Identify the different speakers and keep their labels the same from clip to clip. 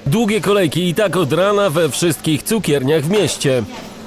Speaker 1: Długie kolejki i tak od rana we wszystkich cukierniach w mieście.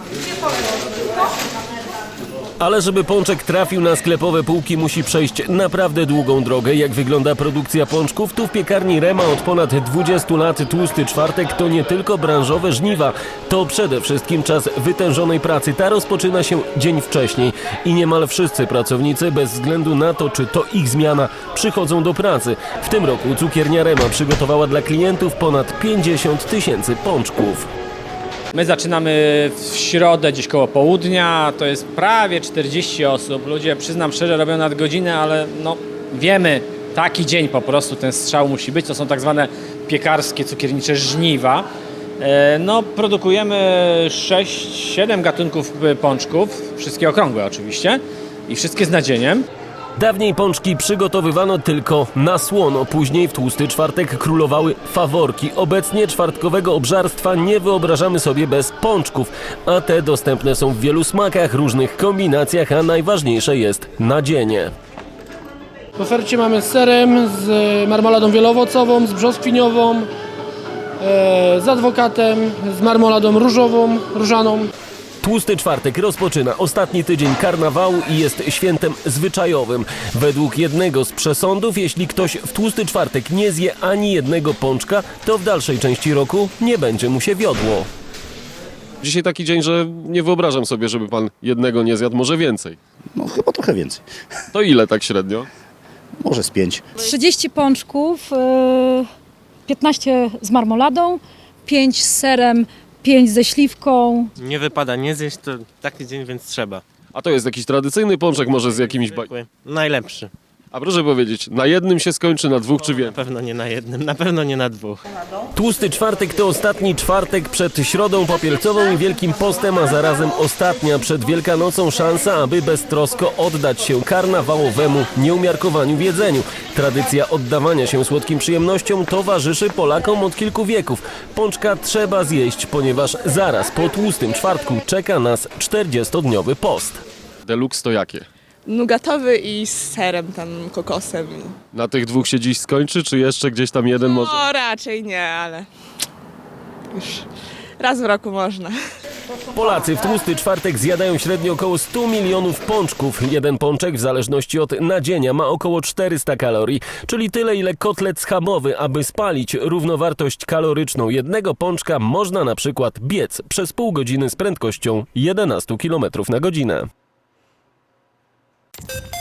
Speaker 1: Ale żeby pączek trafił na sklepowe półki, musi przejść naprawdę długą drogę. Jak wygląda produkcja pączków? Tu w piekarni Rema od ponad 20 lat Tłusty Czwartek to nie tylko branżowe żniwa, to przede wszystkim czas wytężonej pracy. Ta rozpoczyna się dzień wcześniej i niemal wszyscy pracownicy, bez względu na to, czy to ich zmiana, przychodzą do pracy. W tym roku cukiernia Rema przygotowała dla klientów ponad 50 000 pączków.
Speaker 2: My zaczynamy w środę gdzieś koło południa, to jest prawie 40 osób. Ludzie, przyznam szczerze, robią nadgodziny, ale no wiemy, taki dzień po prostu ten strzał musi być. To są tak zwane piekarskie, cukiernicze żniwa. No, produkujemy 6-7 gatunków pączków, wszystkie okrągłe oczywiście i wszystkie z nadzieniem.
Speaker 1: Dawniej pączki przygotowywano tylko na słono, później w Tłusty Czwartek królowały faworki. Obecnie czwartkowego obżarstwa nie wyobrażamy sobie bez pączków, a te dostępne są w wielu smakach, różnych kombinacjach, a najważniejsze jest nadzienie.
Speaker 3: W ofercie mamy z serem, z marmoladą wieloowocową, z brzoskwiniową, z adwokatem, z marmoladą różową, różaną.
Speaker 1: Tłusty Czwartek rozpoczyna ostatni tydzień karnawału i jest świętem zwyczajowym. Według jednego z przesądów, jeśli ktoś w Tłusty Czwartek nie zje ani jednego pączka, to w dalszej części roku nie będzie mu się wiodło.
Speaker 4: Dzisiaj taki dzień, że nie wyobrażam sobie, żeby pan jednego nie zjadł, może więcej.
Speaker 5: No chyba trochę więcej.
Speaker 4: To ile tak średnio?
Speaker 5: Może z 5.
Speaker 6: 30 pączków, 15 z marmoladą, 5 z serem, 5 ze śliwką.
Speaker 7: Nie wypada nie zjeść, to taki dzień, więc trzeba.
Speaker 4: A to jest jakiś tradycyjny pączek, może z jakimiś...
Speaker 7: Zwykły. Najlepszy.
Speaker 4: A proszę powiedzieć, na jednym się skończy, na dwóch czy
Speaker 7: Na
Speaker 4: więcej?
Speaker 7: pewno nie na jednym, na pewno nie na dwóch.
Speaker 1: Tłusty Czwartek to ostatni czwartek przed Środą Popielcową i Wielkim Postem, a zarazem ostatnia przed Wielkanocą szansa, aby beztrosko oddać się karnawałowemu nieumiarkowaniu w jedzeniu. Tradycja oddawania się słodkim przyjemnościom towarzyszy Polakom od kilku wieków. Pączka trzeba zjeść, ponieważ zaraz po Tłustym Czwartku czeka nas 40-dniowy post.
Speaker 4: Deluxe to jakie?
Speaker 8: Nugatowy i z serem, tam kokosem.
Speaker 4: Na tych dwóch się dziś skończy, czy jeszcze gdzieś tam jeden może?
Speaker 8: No raczej nie, ale już raz w roku można.
Speaker 1: Polacy w Tłusty Czwartek zjadają średnio około 100 milionów pączków. Jeden pączek w zależności od nadzienia ma około 400 kalorii, czyli tyle ile kotlet schabowy. Aby spalić równowartość kaloryczną jednego pączka, można na przykład biec przez pół godziny z prędkością 11 km na godzinę.